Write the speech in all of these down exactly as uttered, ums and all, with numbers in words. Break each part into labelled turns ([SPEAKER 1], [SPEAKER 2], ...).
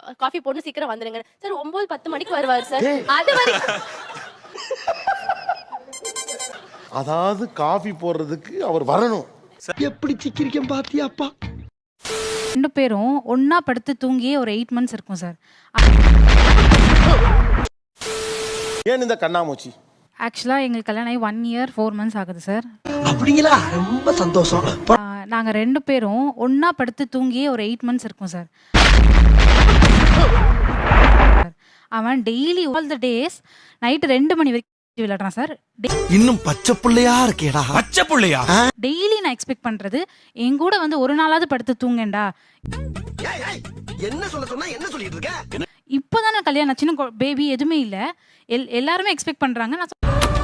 [SPEAKER 1] Coffee போட்டு சீக்கிரம் வந்துடுங்க சார். ஒன்பது பத்து மணிக்கு வருவார் சார். அது வரைக்கும்
[SPEAKER 2] அதாவது காஃபி போடுறதுக்கு அவர் வரணும்.
[SPEAKER 3] எப்படி சிக்கிரிக்கம் பாத்தியாப்பா?
[SPEAKER 4] ரெண்டு பேரும் ஒண்ணா படுத்து தூங்கியே ஒரு எயிட் மந்த்ஸ் இருக்கும் சார்.
[SPEAKER 2] ஏன் இந்த கண்ணாமூச்சி?
[SPEAKER 4] ஆக்சுவலா எங்களுக்கு கல்யாணம் ஆகி ஒன் இயர் ஃபோர் மந்த்ஸ் ஆகுது சார்.
[SPEAKER 3] அப்படிங்களா? ரொம்ப சந்தோஷம்.
[SPEAKER 4] நாங்க ரெண்டு பேரும் ஒண்ணா படுத்து தூங்கியே ஒரு எயிட் மந்த்ஸ் இருக்கும் சார். அவன் daily all the days night ரெண்டு மணி வரைக்கும் விளையாடுறான் சார்.
[SPEAKER 3] இன்னும் பச்சை புள்ளையா இருக்கேடா. பச்சை புள்ளையா?
[SPEAKER 4] டெய்லி நான் எக்ஸ்பெக்ட் பண்றது என் கூட வந்து ஒரு நாளாவது படுத்து தூங்கேண்டா.
[SPEAKER 3] என்ன சொல்ல சொன்னா என்ன சொல்லிட்டு இருக்க?
[SPEAKER 4] இப்போதானே கல்யாணம் ஆச்சுன்னு பேபி எதுவுமே இல்ல. எல் எல்லாருமே எக்ஸ்பெக்ட் பண்றாங்க. நான்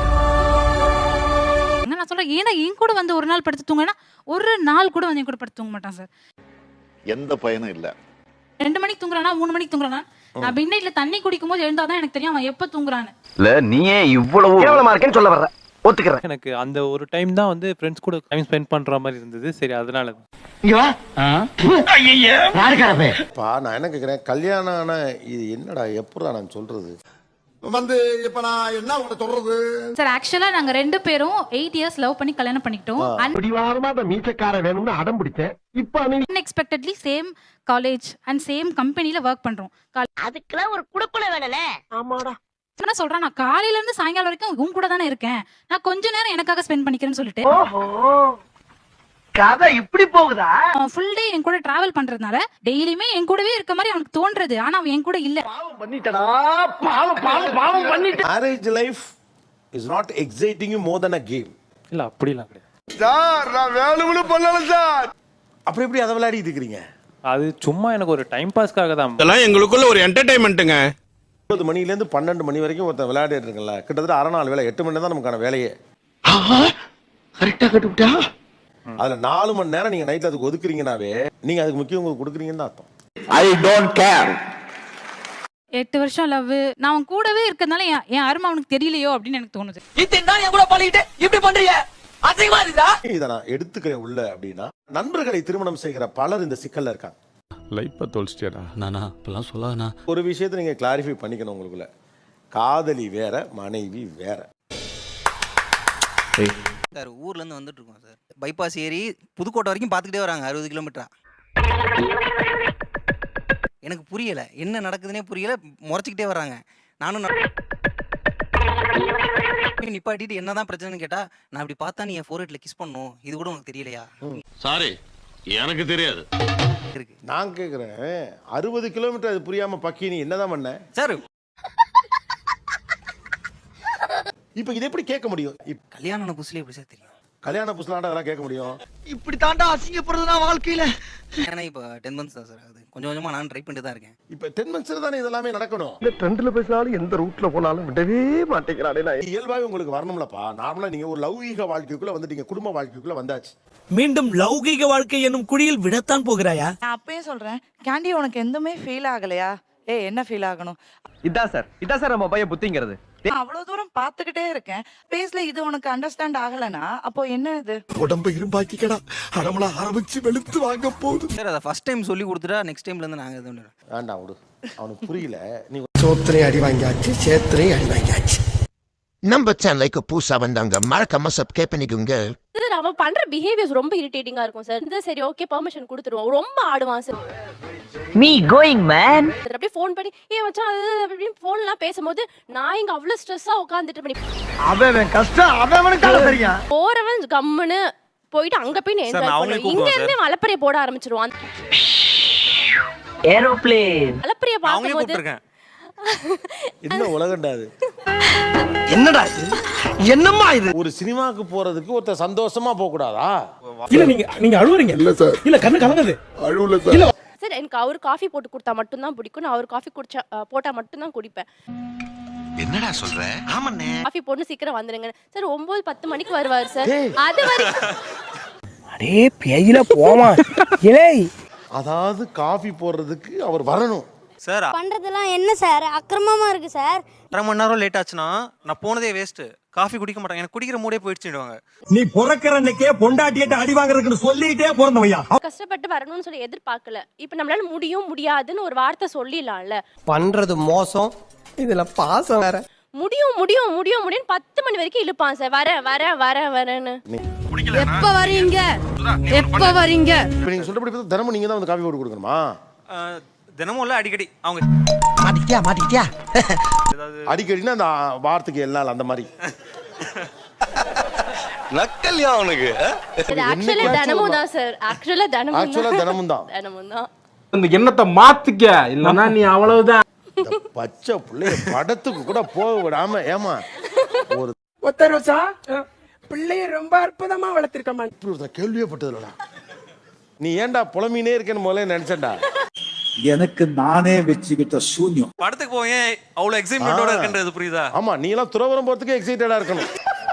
[SPEAKER 4] நான் சொல்றேன் ஏன்னா என் கூட வந்து ஒரு நாள் படுத்து தூங்கினா ஒரு நாள் கூட வந்து என் கூட படுத்து தூங்க மாட்டான் சார்.
[SPEAKER 5] எந்த பயனும் இல்ல.
[SPEAKER 4] ரெண்டு மணிக்கு தூங்குறானா மூணு மணிக்கு தூங்குறானா நான் மிட் நைட்ல தண்ணி குடிக்கும் போது எழுந்தாதான் எனக்கு தெரியும் அவன் எப்ப தூங்குறான்னு.
[SPEAKER 6] இல்ல நீயே இவ்வளவு கேவலமா இருக்கேன்னு சொல்ல வர்ற. ஒத்துக்கிறேன்.
[SPEAKER 7] எனக்கு அந்த ஒரு டைம் தான் வந்து ஃப்ரெண்ட்ஸ் கூட டைம் ஸ்பெண்ட் பண்ற மாதிரி இருந்தது. சரி அதனால
[SPEAKER 3] இங்க வா. ஐயய்ய. யாரு கரப்பே?
[SPEAKER 2] பா நான் என்ன கேக்குறேன், கல்யாணம் ஆன இது என்னடா எப்படா நான் சொல்றது
[SPEAKER 8] வந்து இப்ப நான் என்ன உங்களை சொல்றது
[SPEAKER 4] சார். ஆக்சுவலா நாங்க ரெண்டு பேரும் எயிட் இயர்ஸ் லவ் பண்ணி கல்யாணம் பண்ணிக்கிட்டோம்.
[SPEAKER 3] பிடிவாதமா அந்த மீசக்கார வேணும்னு அடம் பிடிச்சேன். இப்ப நீ
[SPEAKER 4] unexpectedly same college and same கம்பெனில ஒர்க் பண்றோம்.
[SPEAKER 1] அதுக்கெல்லாம் ஒரு குடுக்குல வேணும்ல.
[SPEAKER 3] ஆமாடா.
[SPEAKER 4] என்ன சொல்றான், நான் காலையில இருந்து சாயங்காலம் வரைக்கும் உன் கூட தானே இருக்கேன், நான் கொஞ்ச நேரம் எனக்காக ஸ்பெண்ட் பண்ணிக்கிறேன்னு சொல்லிட்டு
[SPEAKER 3] ஓஹோ. கதை இப்படி போகுதா?
[SPEAKER 4] அவன் ஃபுல் டே என் கூட டிராவல் பண்றதுனால டெய்லியுமே என் கூடவே இருக்க மாதிரி அவனுக்கு தோன்றது. ஆனா அவன் என் கூட இல்ல.
[SPEAKER 3] பாவம் பண்ணிட்டடா. பாவம் பாவம் பாவம் பண்ணிட்ட.
[SPEAKER 2] Marriage life is not exciting you more then a game.
[SPEAKER 7] இல்ல அப்படிலாம் கிடையாது
[SPEAKER 8] சார். நான் வேணும்னு பண்ணல சார்.
[SPEAKER 2] அப்படி எப்படி அதை விளையாடிட்டு இருக்கிறீங்க?
[SPEAKER 7] அது சும்மா எனக்கு ஒரு டைம் பாஸ்க்காக தான்.
[SPEAKER 8] இதெல்லாம் எங்களுக்குள்ள ஒரு என்டர்டைன்மெண்ட்டுங்க.
[SPEAKER 2] ஒன்பது மணிலேருந்து பன்னெண்டு மணி வரைக்கும் ஒருத்தன் விளையாடிட்டு இருக்கல, கிட்டத்தட்ட அரை நாள் வேலை, எட்டு மணி நேரம் தான் நமக்கான வேலையே.
[SPEAKER 3] கரெக்டா கட்டுவிட்டா.
[SPEAKER 2] அதுல நாலு மணி நேரம் நீங்க நைட்ல அதுக்கு ஒதுக்குறீங்கனாவே நீங்க அதுக்கு முக்கியம் கொடுக்குறீங்கன்னு அர்த்தம்.
[SPEAKER 6] I don't care.
[SPEAKER 4] எட்டு வருஷம் லவ் நான் அவன் கூடவே இருக்கிறதுனால என் என் அருமை அவனுக்கு தெரியலையோ அப்படின்னு எனக்கு தோணுது.
[SPEAKER 3] என் கூட பழகிட்டு இப்படி பண்றீங்க, அசிங்கமா இருக்கா?
[SPEAKER 2] இதை நான் எடுத்துக்கிறேன் உள்ள அப்படின்னா, நண்பர்களை திருமணம் செய்கிற பலர் இந்த சிக்கல்ல இருக்காங்க.
[SPEAKER 9] லைஃப்பை தொலைச்சிட்டியாடா. நானா இப்பெல்லாம் சொல்லாதண்ணா.
[SPEAKER 2] ஒரு விஷயத்தை நீங்க கிளாரிஃபை பண்ணிக்கணும் உங்களுக்குள்ள. காதலி வேற, மனைவி வேற.
[SPEAKER 10] சார் ஊர்ல இருந்து வந்துட்டு இருக்கோம் சார். பைபாஸ் ஏறி புதுக்கோட்டை வரைக்கும் பார்த்துக்கிட்டே வராங்க, அறுபது கிலோமீட்டரா. எனக்கு புரியல என்ன நடக்குதுன்னே புரியல, முறைச்சிக்கிட்டே வர்றாங்க. நானும் நிப்பாட்டிட்டு என்னதான் பிரச்சனைன்னு கேட்டா, நான் இப்படி பார்த்தா நீ என் ஃபோர்ஹெட்ல கிஸ் பண்ணும், இது கூட உனக்கு தெரியலையா?
[SPEAKER 9] சாரி எனக்கு தெரியாது.
[SPEAKER 10] இருக்கு.
[SPEAKER 2] நான் கேக்குறேன், அறுபது கிலோமீட்டர் அது புரியாம பக்கி நீ என்னதான் பண்ண
[SPEAKER 10] சார்?
[SPEAKER 2] இப்ப இதை எப்படி கேட்க முடியும்?
[SPEAKER 10] கல்யாணம் ஆன புதுசுல எப்படி சார் தெரியும்?
[SPEAKER 2] கல்யாண புதுசுலாண்டா அதெல்லாம் கேட்க முடியும்?
[SPEAKER 3] இப்படி தாண்டா அசிங்கப்படுறதுனா வாழ்க்கையில.
[SPEAKER 10] ஏன்னா இப்போ டென் மந்த்ஸ் தான் சார் ஆகுது. கொஞ்சம் கொஞ்சமா நான் ட்ரை பண்ணிட்டு தான் இருக்கேன்.
[SPEAKER 2] இப்ப டென் மந்த்ஸ்ல தானே இதெல்லாமே நடக்கணும்.
[SPEAKER 3] இந்த ட்ரெண்ட்ல பேசினாலும் எந்த ரூட்ல போனாலும் விடவே மாட்டேங்கிறானே. நான்
[SPEAKER 2] இயல்பாவே உங்களுக்கு வரணும்லப்பா. நார்மலா நீங்க ஒரு லௌகீக வாழ்க்கைக்குள்ள வந்துட்டீங்க, குடும்ப வாழ்க்கைக்குள்ள வந்தாச்சு.
[SPEAKER 3] மீண்டும் லௌகீக வாழ்க்கை என்னும் குடியில் விடத்தான் போகிறாயா?
[SPEAKER 11] நான் அப்பயே சொல்றேன், கேண்டி உனக்கு எதுவுமே ஃபீல் ஆகலையா? ஏ என்ன ஃபீல் ஆகணும்?
[SPEAKER 6] இதான் சார் இதான் சார் நம்ம பையன் புத்திங்கிறது.
[SPEAKER 11] நான் அவ்வளவு தூரம் பாத்துக்கிட்டே இருக்கேன், பேஸ்ல இது உனக்கு அண்டர்ஸ்டாண்ட் ஆகலனா அப்போ என்ன இது?
[SPEAKER 3] உடம்ப இரும்பாக்கிக்கடா, அடமலா ஆரம்பிச்சு வெளுத்து வாங்க போகுது.
[SPEAKER 10] சார் அதை ஃபர்ஸ்ட் டைம் சொல்லி கொடுத்துட்டா நெக்ஸ்ட் டைம்ல இருந்து நாங்க இது பண்ணுறோம்.
[SPEAKER 2] வேண்டாம் விடு, அவனுக்கு புரியல. நீ
[SPEAKER 3] சோத்திரையும் அடி வாங்கியாச்சு, சேத்திரையும் அடி வாங்கியாச்சு.
[SPEAKER 5] நம்ம சேனலுக்கு புதுசா வந்தாங்க மறக்காம சப்ஸ்கிரைப் பண்ணிக்கோங்க.
[SPEAKER 1] சார் அவன் பண்ற பிஹேவியர்ஸ் ரொம்ப இரிட்டேட்டிங்கா இருக்கும் சார். இந்த சரி ஓகே பெர்மிஷன் கொடுத்துருவோம், ரொம்ப ஆடுவான் சார்.
[SPEAKER 6] Me going man.
[SPEAKER 1] அப்படியே ஃபோன் பண்ணி ஏன் மச்சான் அது அப்படின்னு ஃபோன்லாம் பேசும்போது நான் இங்க அவ்வளவு ஸ்ட்ரெஸ்ஸா உட்கார்ந்துட்டு பண்ணி
[SPEAKER 3] அவன் கஷ்டம் அவனுக்கு தெரியும்.
[SPEAKER 1] போறவன் கம்முன்னு போயிட்டு அங்க போய் என்ஜாய் பண்ணுவான். இங்க இருந்து மலப்பறைய போட ஆரம்பிச்சிருவான்.
[SPEAKER 6] ஏரோப்ளேன்
[SPEAKER 1] மலப்பறைய
[SPEAKER 10] அவங்களே
[SPEAKER 1] பாக்கும்போது
[SPEAKER 10] கூப்பிட்டுருக்கேன்.
[SPEAKER 2] என்ன உலகண்டா அது?
[SPEAKER 3] என்னடா இது? என்னம்மா இது?
[SPEAKER 2] ஒரு சினிமாக்கு போறதுக்கு ஒருத்த சந்தோஷமா போக கூடாதா?
[SPEAKER 3] இல்ல நீங்க நீங்க அழுவுறீங்க. இல்ல சார். இல்ல கண்ணு கலங்குது.
[SPEAKER 8] அழுவல சார்.
[SPEAKER 1] சார் எனக்கு அவர் காஃபி போட்டு கொடுத்தா மட்டும் தான் பிடிக்கும். நான் அவர் காஃபி குடிச்சா போட்டா மட்டும் தான் குடிப்பேன்.
[SPEAKER 5] என்னடா சொல்ற? ஆமாண்ணே.
[SPEAKER 1] காஃபி போட்டு சீக்கிரம் வந்துடுங்க சார். ஒன்பது பத்து மணிக்கு வருவார் சார். அது வரைக்கும்
[SPEAKER 3] அடே பேயில போமா. இலே
[SPEAKER 2] அதாவது காஃபி போடுறதுக்கு அவர் வரணும்.
[SPEAKER 10] சார்
[SPEAKER 1] பண்றதெல்லாம் என்ன சார் அக்கிரமமா இருக்கு சார்.
[SPEAKER 10] அரை மணி நேரம் லேட் ஆச்சுன்னா நான் போனதே வேஸ்ட். காஃபி குடிக்க மாட்டாங்க, எனக்கு குடிக்கிற மூடே போயிடுச்சுடுவாங்க.
[SPEAKER 3] நீ பிறக்கிற அன்னைக்கே பொண்டாட்டியிட்ட அடி வாங்குறதுன்னு சொல்லிட்டே பிறந்தவையா.
[SPEAKER 1] கஷ்டப்பட்டு வரணும்னு சொல்லி எதிர்பார்க்கல. இப்ப நம்மளால முடியும் முடியாதுன்னு ஒரு வார்த்தை சொல்லிடலாம்ல.
[SPEAKER 6] பண்றது மோசம், இதுல பாசம் வேற.
[SPEAKER 1] முடியும் முடியும் முடியும் முடியும் பத்து மணி வரைக்கும் இழுப்பான் சார். வர வர வர வரன்னு.
[SPEAKER 4] எப்ப வரீங்க எப்ப வரீங்க?
[SPEAKER 2] இப்போ நீங்கள் சொல்றபடி பார்த்தா தினமும் நீங்கள் தான் வந்து காஃபி போட்டு கொடுக்கணுமா?
[SPEAKER 10] தினமும் இல்ல, அடிக்கடி. அவங்க
[SPEAKER 6] மாட்டிக்கிட்டியா மாட்டிக்கிட்டியா
[SPEAKER 2] அடிக்கடினா அந்த வாரத்துக்கு எல்லா நாள் அந்த மாதிரி.
[SPEAKER 8] நக்கல்யா அவனுக்கு.
[SPEAKER 1] இது ஆக்சுவலி தினமும் தான் சார். ஆக்சுவலா தினமும்
[SPEAKER 2] ஆக்சுவலா தினமும் தான்.
[SPEAKER 1] தினமும் தான்.
[SPEAKER 8] இந்த எண்ணத்தை மாத்திக்க, இல்லன்னா நீ அவ்வளவுதான்.
[SPEAKER 2] இந்த பச்சை பிள்ளைய படத்துக்கு கூட போக விடாம ஏமா ஒரு
[SPEAKER 3] ஒத்தரோசா பிள்ளைய ரொம்ப அற்புதமா வளர்த்திருக்கமா.
[SPEAKER 2] இப்படி ஒருத்தர் கேள்வியே பட்டதுலடா. நீ ஏன்டா புலம்பினே இருக்கேன்னு முதல்ல நினைச்சேன்டா.
[SPEAKER 3] எனக்கு நானே வச்சுக்கிட்ட சூன்யம்.
[SPEAKER 10] படத்துக்கு போய் அவ்வளவு எக்ஸைட்மெண்டோட இருக்குன்றது புரியுதா?
[SPEAKER 2] ஆமா, நீ எல்லாம் துறவரம் போறதுக்கு எக்ஸைட்டடா இருக்கணும்.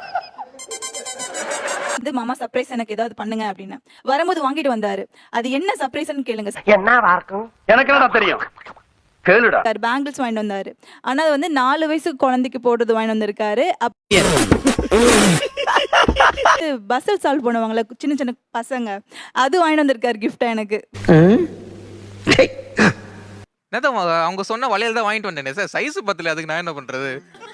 [SPEAKER 11] வந்து மாமா சர்ப்ரைஸ் எனக்கு ஏதாவது பண்ணுங்க அப்படின்னு வரும்போது வாங்கிட்டு வந்தாரு. அது என்ன சர்ப்ரைஸ்னு கேளுங்க சார்.
[SPEAKER 6] என்னவா இருக்கும் எனக்கு என்ன தெரியும், கேளுடா.
[SPEAKER 11] சார் பேங்கிள்ஸ் வாங்கிட்டு வந்தாரு. ஆனா அது வந்து நாலு வயசு குழந்தைக்கு போடுறது வாங்கிட்டு வந்திருக்காரு. பஸ்ஸில் சால்வ் பண்ணுவாங்கல்ல சின்ன சின்ன பசங்க, அது வாங்கிட்டு வந்திருக்காரு கிஃப்டா எனக்கு.
[SPEAKER 10] அவங்க சொன்ன வளையல் தான் வாங்கிட்டு வந்தேனே சார், சைஸ் பத்தல, அதுக்கு நான் என்ன பண்றது?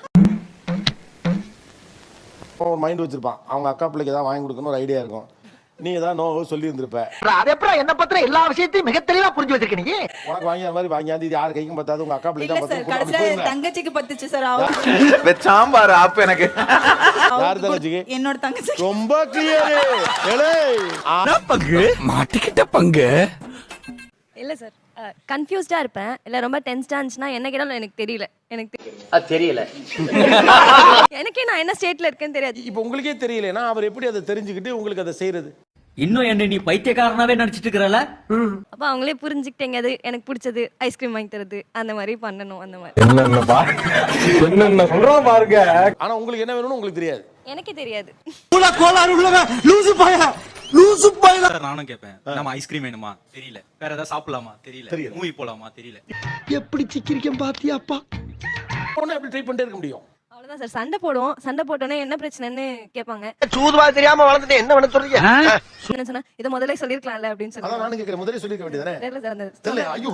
[SPEAKER 2] ஒரு மைண்ட் வச்சிருப்பான், அவங்க அக்கா பிள்ளைக்கு ஏதாவது வாங்கி கொடுக்கணும் ஒரு ஐடியா இருக்கும். நீ ஏதாவது நோ சொல்லி இருந்திருப்ப.
[SPEAKER 6] அது எப்படி என்ன பத்திர எல்லா விஷயத்தையும் மிக தெளிவா புரிஞ்சு வச்சிருக்க நீ.
[SPEAKER 2] உனக்கு வாங்கிய மாதிரி வாங்கியாந்து இது யாரு கைக்கும் பத்தாது, உங்க அக்கா பிள்ளைக்கு
[SPEAKER 11] இல்ல
[SPEAKER 2] தான்
[SPEAKER 11] சார்,
[SPEAKER 2] பத்தாது.
[SPEAKER 11] கடைசியில தங்கச்சிக்கு பத்துச்சு சார். அவ
[SPEAKER 8] சாம்பார் ஆப்பு எனக்கு.
[SPEAKER 2] யார் தங்கச்சிக்கு?
[SPEAKER 11] என்னோட தங்கச்சி.
[SPEAKER 2] ரொம்ப கிளியர். ஏலே
[SPEAKER 3] பங்கு மாட்டிக்கிட்ட பங்கு.
[SPEAKER 1] இல்ல சார், கன்ஃபியூஸ்டா இருப்பேன். இல்ல ரொம்ப டென்ஸ்டா இருந்துச்சுன்னா என்ன கேட்டாலும் எனக்கு தெரியல. எனக்கு
[SPEAKER 6] அது தெரியல.
[SPEAKER 1] எனக்கே நான் என்ன ஸ்டேட்ல இருக்கேன்னு தெரியாது.
[SPEAKER 2] இப்போ உங்களுக்கே தெரியலனா அவர் எப்படி அதை தெரிஞ்சுக்கிட்டு உங்களுக்கு அதை செய்யறது?
[SPEAKER 6] இன்னும் என்ன நீ பைத்தியக்காரனாவே நடிச்சிட்டு இருக்கறல.
[SPEAKER 1] அப்ப அவங்களே புரிஞ்சுக்கிட்டேங்க, அது எனக்கு பிடிச்சது ஐஸ்கிரீம் வாங்கி தரது, அந்த மாதிரி பண்ணணும். அந்த மாதிரி
[SPEAKER 8] என்னென்ன பா என்னென்ன சொல்றோம் பாருங்க.
[SPEAKER 2] ஆனா உங்களுக்கு என்ன வேணும்னு உங்களுக்கு தெரியாது.
[SPEAKER 1] எனக்கே தெரியாது.
[SPEAKER 3] கோளாறு உள்ளவ லூசு பாயா லூசு பாயா.
[SPEAKER 10] நானும் கேட்பேன், நம்ம ஐஸ்கிரீம் வேணுமா தெரியல, வேற ஏதாவது சாப்பிடலாமா தெரியல, மூவி போலாமா தெரியல.
[SPEAKER 3] எப்படி சிக்கிரிக்கம் பாத்தியாப்பா.
[SPEAKER 2] போனா எப்படி ட்ரை பண்ணிட்டே இருக்க முடியும்?
[SPEAKER 1] அவ்வளவுதான் சார். சண்டை போடுவோம். சண்டை போட்டோன்னே என்ன பிரச்சனைன்னு கேட்பாங்க.
[SPEAKER 6] சூதுவா தெரியாம வளர்ந்துட்டு என்ன பண்ண சொல்றீங்க?
[SPEAKER 1] என்ன சொன்னா இதை முதல்ல சொல்லிருக்கலாம்ல அப்படின்னு
[SPEAKER 2] அதான்
[SPEAKER 1] சொல்லி
[SPEAKER 2] நானும் கேக்குறேன், முதல்ல சொல்லிருக்க வேண்டியதானே?
[SPEAKER 1] தெரியல சார். அந்த
[SPEAKER 2] தெரியல. ஐயோ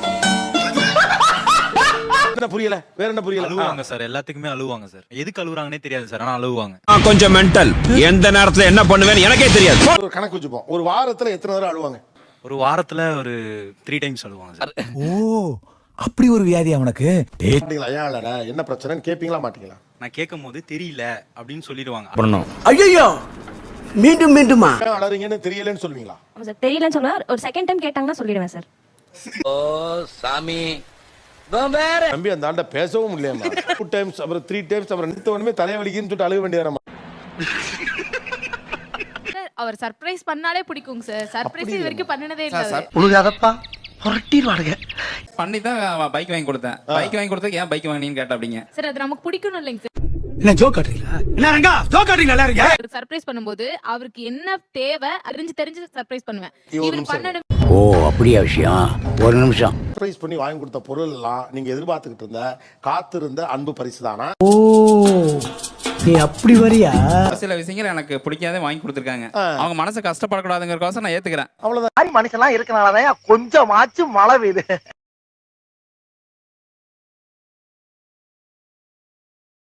[SPEAKER 2] என்ன புரியல, வேற என்ன புரியல?
[SPEAKER 10] அழுவாங்க சார், எல்லாத்துக்குமே அழுவாங்க சார். எதுக்கு அழுகுறாங்கன்னே தெரியாது சார், ஆனா அழுவாங்க.
[SPEAKER 8] கொஞ்சம் மென்டல், எந்த நேரத்துல என்ன பண்ணுவேன்னு எனக்கே தெரியாது.
[SPEAKER 2] ஒரு கணக்கு வச்சுப்போம், ஒரு வாரத்துல எத்தனை தடவை அழுவாங்க?
[SPEAKER 10] ஒரு வாரத்துல ஒரு த்ரீ டைம்ஸ் அழுவாங்க சார்.
[SPEAKER 3] ஓ அப்படி ஒரு வியாதியா உனக்கு?
[SPEAKER 2] கேட்டீங்களா ஐயா இல்லடா என்ன பிரச்சனைன்னு கேப்பீங்களா மாட்டீங்களா?
[SPEAKER 10] நான் கேட்கும் போது தெரியல அப்படின்னு சொல்லிடுவாங்க.
[SPEAKER 3] ஐயோ மீண்டும் மீண்டுமா
[SPEAKER 2] ஏன் அழறீங்கன்னு தெரியலன்னு சொல்லுவீங்களா?
[SPEAKER 1] ஆமா சார், தெரியலன்னு சொன்னா ஒரு செகண்ட் டைம் கேட்டாங்கன்னா சொல்லிடுவேன் சார்.
[SPEAKER 6] ஓ சாமி
[SPEAKER 2] தம்பி அந்த ஆண்ட பேசவும் முடியலமா. டூ டைம்ஸ் அப்புறம் த்ரீ டைம்ஸ் அப்புறம் நிறுத்த உடனே தலைவலிக்குன்னு சொல்லிட்டு அழுக வேண்டியதானமா?
[SPEAKER 4] அவர் சர்ப்ரைஸ் பண்ணாலே பிடிக்குங்க சார். சர்ப்ரைஸ் இது வரைக்கும் பண்ணினதே இல்ல அவரு.
[SPEAKER 6] உழுகாதப்பா புரட்டிடுவானுங்க.
[SPEAKER 10] பண்ணி தான் பைக் வாங்கி கொடுத்தேன். பைக் வாங்கி கொடுத்தா ஏன் பைக் வாங்கினீன்னு கேட்ட அப்படிங்க.
[SPEAKER 4] சார் அது நமக்கு பிடிக்கணும் இல்லைங்க சார்.
[SPEAKER 3] என்ன ஜோக் காட்டுறீங்களா? என்ன ரங்கா ஜோக் காட்டுறீங்க நல்லா இருக்கீங்க.
[SPEAKER 4] ஒரு சர்ப்ரைஸ் பண்ணும்போது அவருக்கு என்ன தேவை அறிஞ்சு தெரிஞ்சு சர்ப்ரைஸ் பண்ணுவேன்.
[SPEAKER 2] ஒரு
[SPEAKER 4] இவர்
[SPEAKER 2] நிமிஷம்.
[SPEAKER 4] பண்ணணும்.
[SPEAKER 3] ஓ அப்படியா விஷயம்? ஒரு நிமிஷம்.
[SPEAKER 2] சர்ப்ரைஸ் பண்ணி வாங்கி கொடுத்த பொருள் எல்லாம் நீங்க எதிர்பார்த்துக்கிட்டு இருந்த காத்திருந்த அன்பு பரிசு தானா?
[SPEAKER 3] ஓ நீ அப்படி வரியா?
[SPEAKER 10] சில விஷயங்கள் எனக்கு பிடிக்காத வாங்கி கொடுத்துருக்காங்க. அவங்க மனசு கஷ்டப்படக்கூடாதுங்கிறதுக்கோசம் நான் ஏத்துக்கிறேன்.
[SPEAKER 2] அவ்வளவுதான்.
[SPEAKER 6] மாதிரி மனுஷன்லாம் இருக்கனாலதான் கொஞ்சமாச்சும் மழை பெய்யுது.